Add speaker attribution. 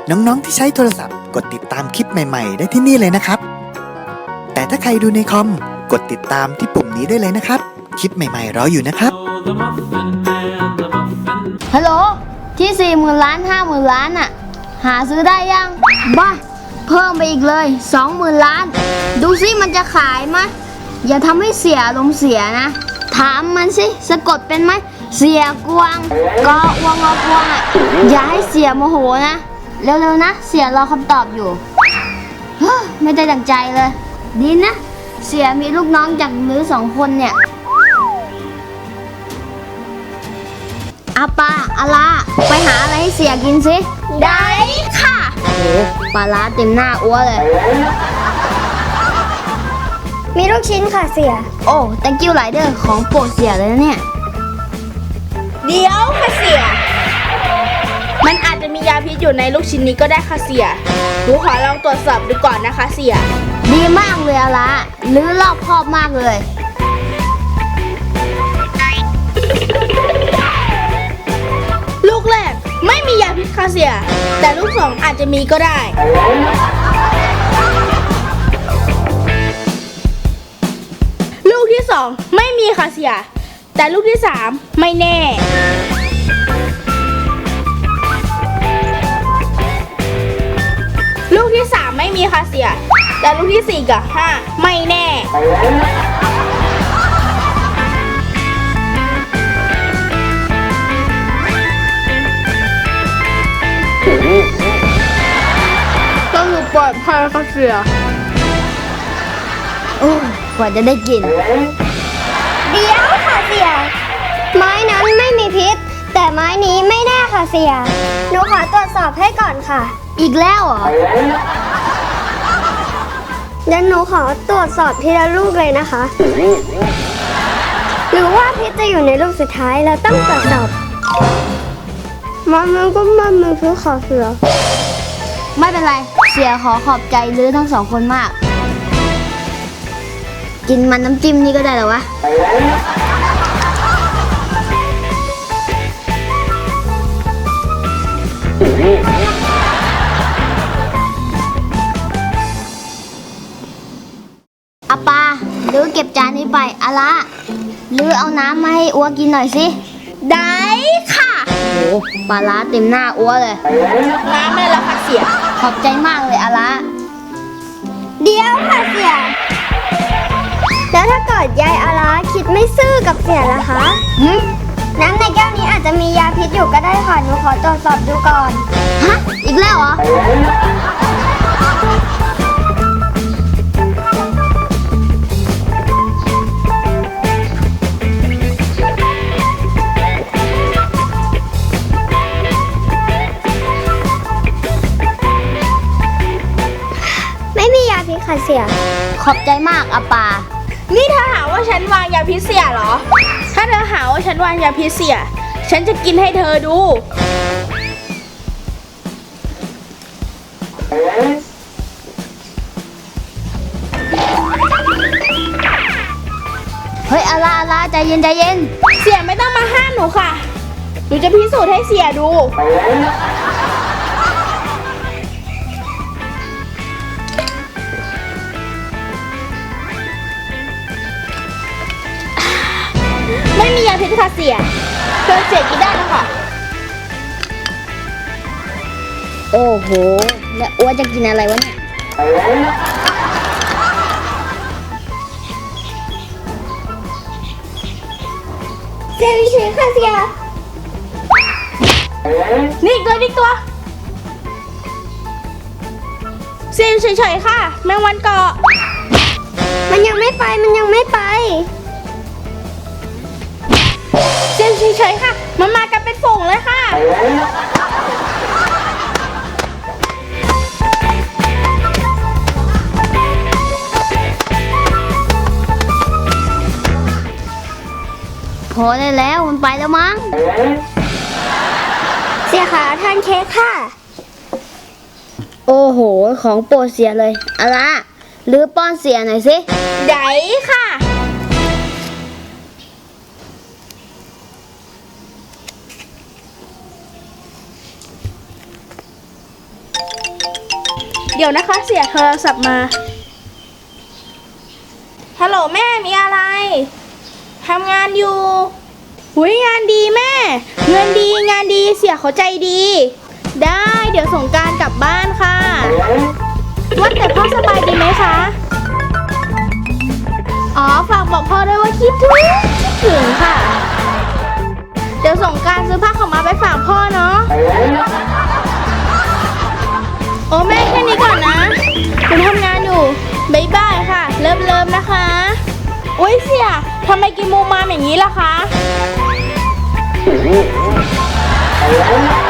Speaker 1: น้องๆที่ใช้โทรศัพท์กดติดตามคลิปใหม่ๆได้ที่นี่เลยนะครับแต่ถ้าใครดูในคอมกดติดตามที่ปุ่มนี้ได้เลยนะครับคลิปใหม่ๆรออยู่นะครับ
Speaker 2: ฮัลโหลที่40,000 ล้าน50,000 ล้านอะหาซื้อได้ยังบ้าเพิ่มไปอีกเลย20,000 ล้านดูสิมันจะขายไหมอย่าทำให้เสียลมณ์เสียนะถามมันสิสะกดเป็นไหมเสียกวางก็วงอกวางอะอย่าให้เสียโมโหนะเร็วๆนะเสียรอคำตอบอยู่ไม่ได้ดังใจเลยดีนะเสียมีลูกน้องจากมือ2 คนเนี่ยอาปาอาลาไปหาอะไรให้เสียกินสิได้ค่ะโอ้ปลาร้าเต็มหน้าอ้วเลย
Speaker 3: มีลูกชิ้นค่ะเสีย
Speaker 2: โอ้ thank you หลายเด้อของโปรดเสียเลยนะเนี่ย
Speaker 4: เดี๋ยวค่ะเสียมันอาจจะมียาพิษอยู่ในลูกชิ้นนี้ก็ได้ค่ะเสียหนูขอลองตรวจสอบดูก่อนนะคะเสีย
Speaker 2: ดีมากเลยอาลาหรือรอบคอบมากเลย
Speaker 4: ลูกแรกไม่มียาพิษค่ะเสียแต่ลูก2อาจจะมีก็ได้ลูกที่2ไม่มีค่ะเสียแต่ลูกที่3ไม่แน่ลูกที่3ไม่มีค่ะเสียแต่ลูกที่4กับ5ไม่แน่ต้องอยู่ปลอดภัยค่ะเสีย
Speaker 2: โอ้กว่าจะได้กิน
Speaker 3: เดี๋ยวค่ะเสียไม้นั้นไม่มีพิษแต่ไม้นี้ไม่แน่ค่ะเสียหนูขอตรวจสอบให้ก่อนค่ะ
Speaker 2: อีกแล้วเหรอ
Speaker 3: เดี๋ยวหนูขอตรวจสอบทีละลูกเลยนะคะหรือว่าพิษจะอยู่ในลูกสุดท้ายแล้วต้องตรวจสอบมันก็มันมือพิษค่ะเสีย
Speaker 2: ไม่เป็นไรเสียขอขอบใจลื้อทั้ง2 คนมากกินมันน้ำจิ้มนี่ก็ได้เหรอวะอาปาลื้อเก็บจานนี้ไปอาละลื้อเอาน้ำมาให้อัวกินหน่อยสิ
Speaker 4: ได้ค่ะ
Speaker 2: โอ้ปลาร้าเต็มหน้าอัวเลย
Speaker 4: น้ำไม่ละค่ะเสีย
Speaker 2: ขอบใจมากเลยอาละ
Speaker 3: เดี๋ยวค่ะเสียแล้วถ้าเกิดยายอาลาคิดไม่ซื่อกับเสียล่ะคะน้ำในแก้วนี้อาจจะมียาพิษอยู่ก็ได้ค่ะหนูขอตรวจสอบดูก่อน
Speaker 2: ฮะอีกแล้วเหรอ
Speaker 3: ไม่มียาพิษค่ะเสีย
Speaker 2: ขอบใจมากอาปา
Speaker 4: นี่เธอหาว่าฉันวางยาพิษเสียเหรอถ้าเธอหาว่าฉันวางยาพิษเสียฉันจะกินให้เธอดู
Speaker 2: เฮ้ยอาลาใจเย็นใจเย็น
Speaker 4: เสียไม่ต้องมาห้ามหนูค่ะหนูจะพิสูจน์ให้เสียดูไม่มียาพิษค่ะเสียเธอเสียกินได้แล้วค่ะ
Speaker 2: โอ้โหแล้วอ้วนจะกินอะไรวะเนี่ย
Speaker 3: เสียวิชีค่ะเสีย
Speaker 4: นี่อีกตัวเสียเฉยๆค่ะแมงวันเกาะ
Speaker 3: มันยังไม่ไป
Speaker 4: เฉยๆค่ะมันมากันเป็นฝูงเลยค่ะ
Speaker 2: พอได้แล้วมันไปแล้วมั้ง
Speaker 3: เสียขาทานเค้กค่ะ
Speaker 2: โอ้โหของโปรดเสียเลยอาละหรือป้อนเสียหน่อยสิ
Speaker 4: ได้ค่ะ
Speaker 3: เ
Speaker 4: เดี๋ยวนะคะเสียโทรศัพท์มา ฮัลโหลแม่มีอะไร ทำงานอยู่หุยงานดีแม่ เงินดีงานดีเสียเขาใจดี ได้เดี๋ยวสงกรานต์กลับบ้านค่ะ ว่าแต่พ่อสบายดีไหมคะ อ๋อฝากบอกพ่อด้วยว่าคิดถึงค่ะ เดี๋ยวสงกรานต์ซื้อผ้าขาวม้าไปฝากพ่อเนาะ โอ้แม่แค่นี้ก่อนนะคุณทำงานอยู่บ๊ายบายค่ะ เริ่มนะคะโอ้ยเสี่ยทำไมกินมูมามอย่างนี้ล่ะคะ